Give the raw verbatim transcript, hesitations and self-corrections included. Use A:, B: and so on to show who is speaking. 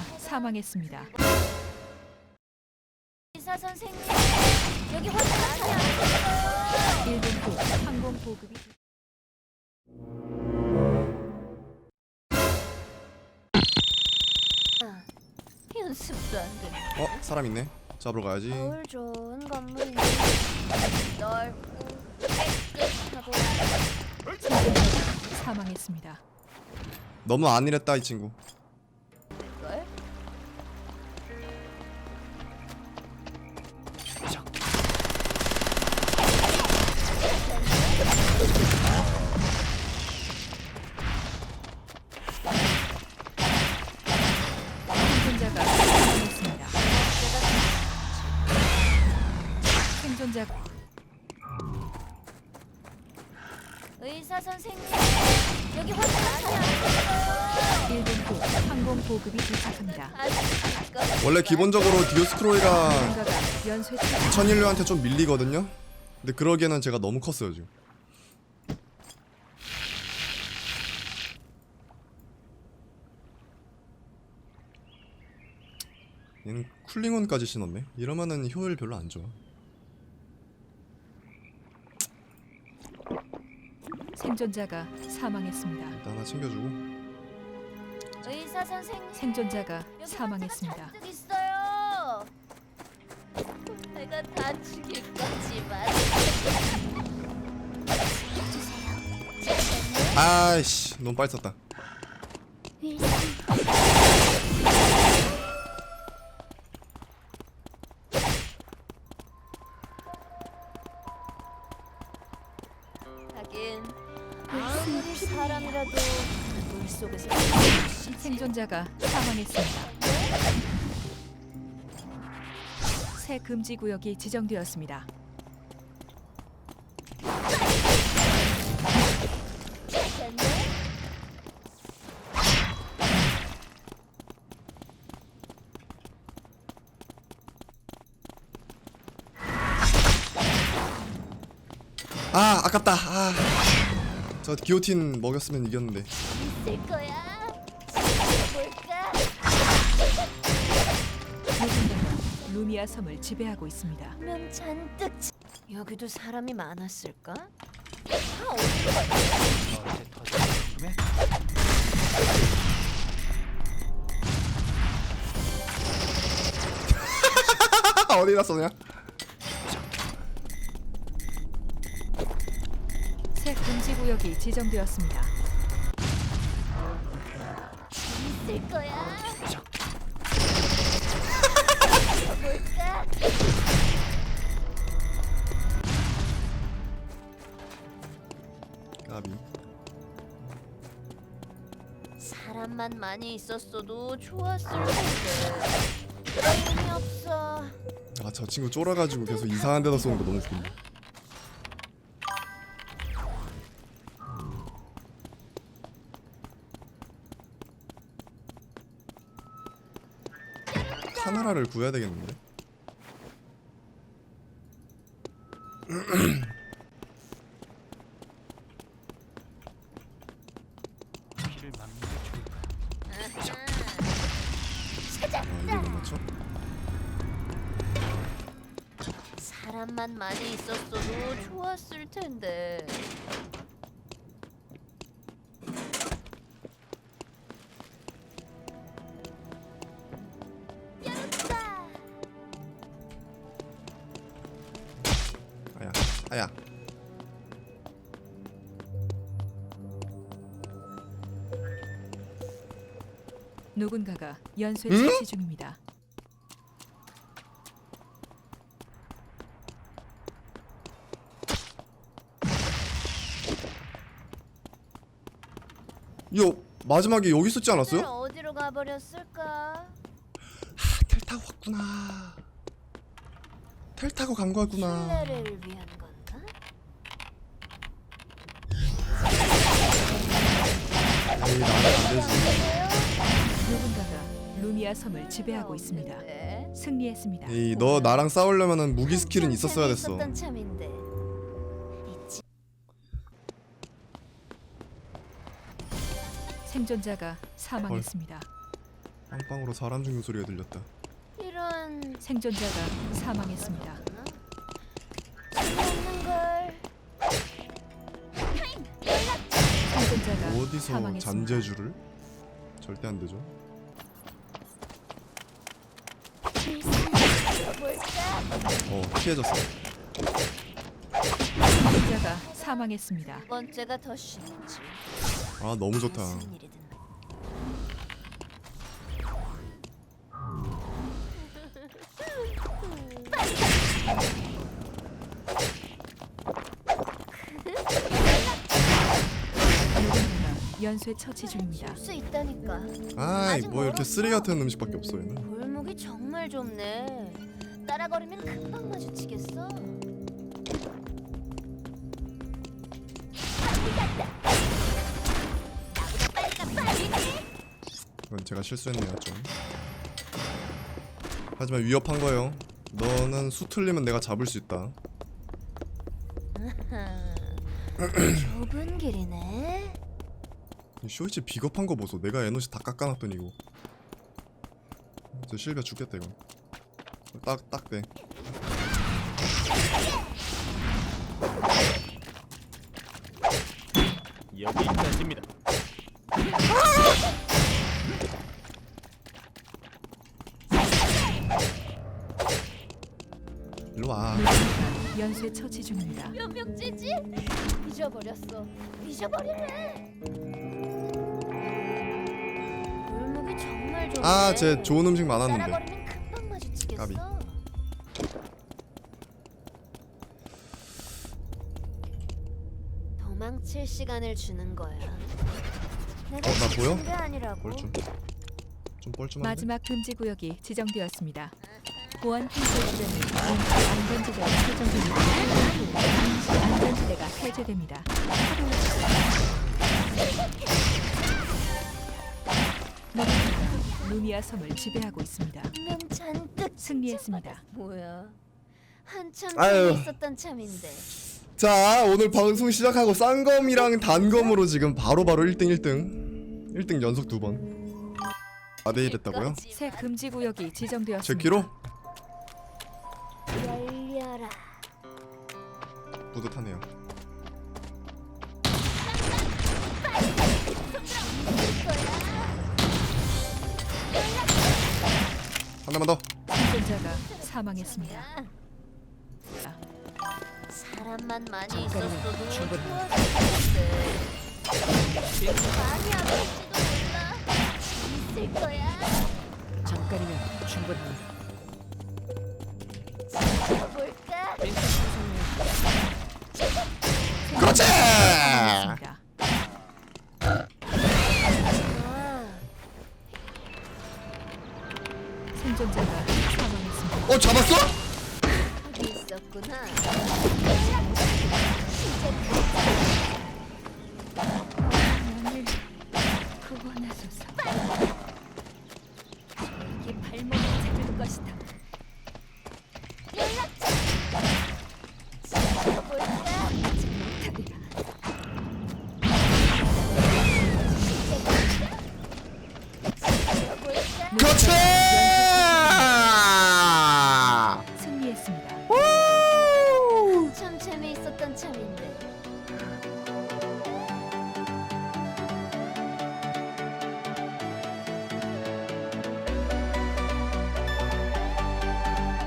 A: 사망했습니다.
B: 의사 선생님, 여기 화장 많이 안 됐어요.
A: 일 분 후 항공 보급이
B: 연습도 안 돼.
C: 어? 사람 있네. 잡으러 가야지.
B: 거울 좋은 건물인데 넓고 깨끗하고
A: 사망했습니다.
C: 너무 안일했다 이 친구.
B: 걸?
A: 생존자가 사망했습니다. 생존자
B: 의사 선생님, 여기 화장 많이 안 됐어요.
A: 일 분 후 항공 보급이 도착합니다.
B: 아직
C: 원래 기본적으로 디오스크로이가
A: 누군가가 연쇄 처치
C: 천인류한테 좀 밀리거든요. 근데 그러기에는 제가 너무 컸어요 지금. 얘는 쿨링온까지 신었네. 이러면은 효율 별로 안 좋아.
A: 생존자가 사망했습니다.
C: 일단 하나 챙겨주고.
B: 의사 선생님,
A: 생존자가
B: 여기
A: 사망했습니다.
B: 환자가 잔뜩 있어요. 내가 다치기까지만 해주세요.
C: 아이씨 너무 빨리 썼다.
B: 하긴 아무리 사람이라도 물 속에서
A: 생존자가 사망했습니다. 새 금지 구역이 지정되었습니다.
B: 괜찮네.
C: 아 아깝다. 아. 저 기오틴 먹였으면 이겼는데.
B: 있을 거야. 볼까?
A: 누군가가 루미아 섬을 지배하고 있습니다.
B: 면 잔뜩 치- 여기도 사람이 많았을까? 다 어디로 갔지?
C: 어디다 쏘냐?
A: 새 금지 구역이 지정되었습니다.
B: 있을 거야. 볼까?
C: 까비.
B: 사람만 많이 있었어도 좋았을 텐데. 그런 의미 없어.
C: 아 저 친구 쫄아가지고 계속 이상한 데다 쏘는 거 너무 웃긴다. 카메라를 구해야 되겠는데?
D: 피를 막는 게 좋을 거야.
C: 아 이걸 못 맞춰?
B: 사람만 많이 있었어도 좋았을 텐데. 열었다.
C: 아야 아야.
A: 누군가가 연쇄
C: 응?
A: 처치 중입니다.
C: 이거 마지막에 여기 있었지
B: 오늘
C: 않았어요?
B: 어디로 가버렸을까?
C: 아, 텔 타고 왔구나. 텔 타고 간 거였구나.
B: 신뢰를 위한 건가?
C: 에이 나는 안 되지.
A: 누군가가 루미아 섬을 지배하고 있습니다.
B: 네.
A: 승리했습니다.
C: 에이 너 나랑 싸우려면은 무기 스킬은 있었어야 됐어.
B: 있었던 참인데. 있지.
A: 생존자가 사망했습니다.
C: 빵빵으로 사람 죽는 소리가 들렸다.
B: 이런
A: 생존자가 사망했습니다.
B: 없는 걸.
A: 생존자가
C: 어디서
A: 사망했습니다.
C: 잔재주를? 절대 안 되죠. 어 피해졌어.
A: 생존자가 사망했습니다.
B: 두 번째가 더 쉽지.
C: 아 너무 좋다.
B: 무슨 일이든.
A: 누군가가 연쇄 처치 중입니다.
B: 수 있다니까.
C: 아이
B: 아직
C: 뭐 이렇게
B: 멀었어.
C: 쓰레기 같은 음식밖에 없어 얘는.
B: 골목이 정말 좁네. 따라거리면 금방 마주치겠어.
C: 이건 제가 실수했네요 좀. 하지만 위협한 거예요. 너는 수 틀리면 내가 잡을 수 있다.
B: 좁은 길이네.
C: 이 쇼이치 비겁한 거 보소. 내가 에너지 다 깎아놨더니 이거. 저 실비아 죽겠다 이거. 딱 딱 돼.
D: 여기까지입니다.
C: 일로 와.
A: 누군가가 연쇄 처치 중입니다.
B: 몇 명째지? 잊어버렸어. 잊어버리래. 골목이 정말 좁네.
C: 아, 쟤 좋은 음식 많았는데.
B: 따라거리면 금방 마주치겠어.
C: 까비.
B: 도망칠 시간을 주는 거야. 내가
C: 어, 나 보여?
B: 지친 게 아니라고.
C: 뻘쭘. 좀 뻘쭘한데.
A: 마지막 금지 구역이 지정되었습니다. 보안 핀셀들은 안전지대가 설정됩니다. 안전지대가 폐쇄됩니다. 누군가가 루미아 섬을 지배하고 있습니다.
B: 명 잔뜩
A: 승리했습니다.
B: 뭐야? 한참
C: 아유.
B: 전에 있었던 참인데.
C: 자 오늘 방송 시작하고 쌍검이랑 단검으로 지금 바로바로 일 등 일 등 일 등 연속 두 번 사 대 일 했다고요?
A: 새 금지 구역이 지정되었습니다.
C: 제 키로?
B: 열려라.
C: 뿌듯하네요. 한 대만 더.
A: 생존자가 사망했습니다.
B: 사람만 많이 있었어도
D: 충분히.
B: 좋았을 텐데. 많이 아플지도 몰라. 있을 거야.
D: 잠깐이면 충분합니다.
B: 볼까?
C: 그렇지!
A: 사망했습니다.
B: 아,
A: 생존자가 사망했습니다.
C: 어 잡았어?
B: 거기 있었구나.
A: 나를 구원하소서.
B: 이게 발목을 잡을 것이다. 연락처. 볼까?
A: 못하리라.
B: 볼까?
C: 그렇지!